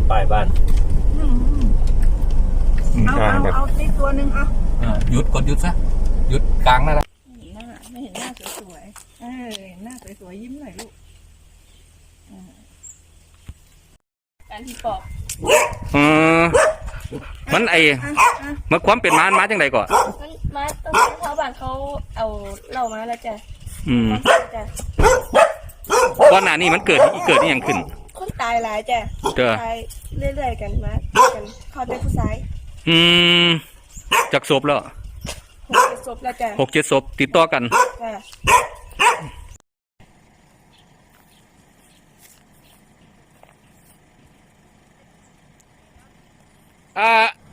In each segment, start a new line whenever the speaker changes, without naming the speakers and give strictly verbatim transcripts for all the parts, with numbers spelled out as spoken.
ปลายบ้าน
เอาเอาเอาในตัวหนึ่งเอา
หยุดกดหยุดซะหยุดกลางนั่นแหละ
หน้าไม่เห็นหน้าสวยๆเออเห็นหน้าสวยๆยิ้มหน่อยลูกการที่ปอก
อืมมันไอ้มันความเป็นมามาจังไดก่อน
มันมาตรงชาวบ้านเขาเอาเหล้ามาแล้วจ้ะ
อืม
จ้ะ
ก่อนหน้านี้มันเกิดเกิดนี่ยังขึ้น
คนตายหลายจ้ะตายเรื่อยๆกันมากันเขาเป็นผู้ชาย
อืมจากศพแล้ว
หกเจ็ดศพแล้วจ้ะ
หกเจ็ดศพติดต่อกัน
จ้ะ
อ่า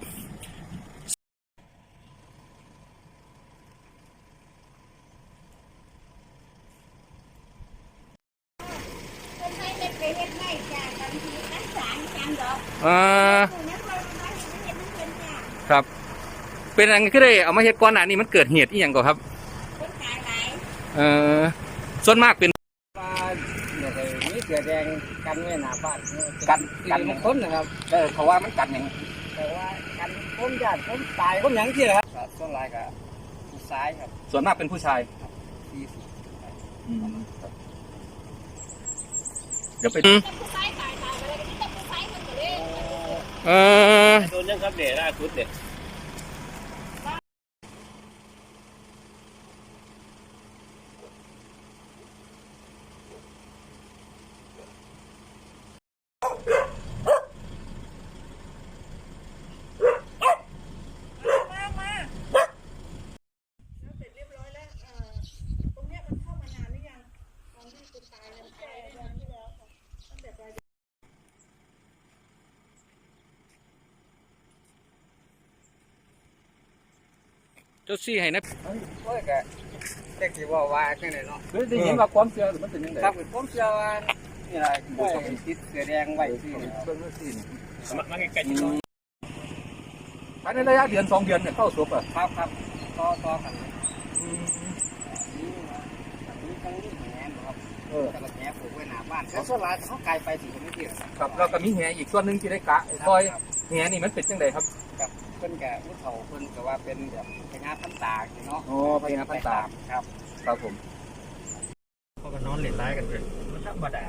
อ่าครับเป็นอะไรก็ได้เอามาเฮ็ดก่อนหน้านี้มันเกิดเหตุอีหยังก่อนครับเอ่อส่วนมากเป็น
ว่าเดี๋ยวนี้เสือแดงกันไว้หน้าบ้านกันกันมันคนนะครับ
เออเขาว่ามันกัดหยัง
แต่ว่ากันคนญาติคนตายคนหยังที่นะครับส่วนหลายก็ผู้ชายครับ
ส่วนมากเป็นผู้ชาย
ที่สุด
เดี๋ยวไปเออ
โดนยังครับเด็ดล่าสุดเด็ด
เจ้าซี่ให้นะ
โอ้ยก็แค่ที่ว่าว่าแค่ไหนเนาะ
คือได้ยินว่าความเชื่อมันเป็นยังไง
ครับเป็นความเชื่อว่านี่แหละผู้ติดเสือแดงไว้ที่นี่
เบิ่งซี่นี่
มาใกล้ๆนี่
ภายในระยะเดือนสองเดือนเนี่ยเข้าศพอ่ะ
ครับครับต่อต่อกันนี่นี่ทั้งนี้แหนครับเออแต่ละแหนปลูกไว้หน้าบ้านแล้วส่วนหลายเขาไกลไปถึงตรงนี้ที่
ครับแล้วก็มีแหอีกส่วนหนึ่งที่ได้กะซอยแหนี่มันเป็นจังไดครับ
กับเพิ่นแก่ผู้เฒ่าเพิ่นก็ว่าเป็นแบบพญาพันตาเนาะ
โอ้พญาพันตา
ครับ
ครับผม
เขาก็นอนเล่นร้ายกันเลยธรรมดา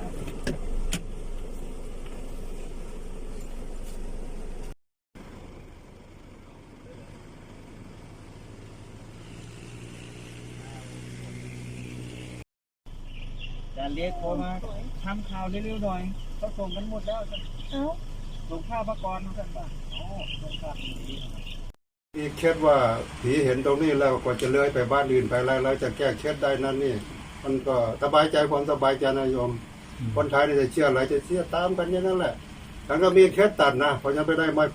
จะเรียกโทรมาทำข่าวเร็วๆหน่อยเขาส่งกันหมดแล้ว
เอ้า
ส่งข้าวมากรกันบ้างอ๋อส่งข้าวดี
อีกเคสว่าผีเห็นตรงนี้แล้วกว่าจะเลื้อยไปบ้านอื่นไปอะไรแล้วจะแก้เคสได้นั่นนี่มันก็สบายใจความสบายใจนะโยมคนไทยนี่จะเชื่ออะไรจะเชื่อตามกันอย่างนั้นแหละฉันก็มีเคสตัดนะเพราะฉันไปได้ไม้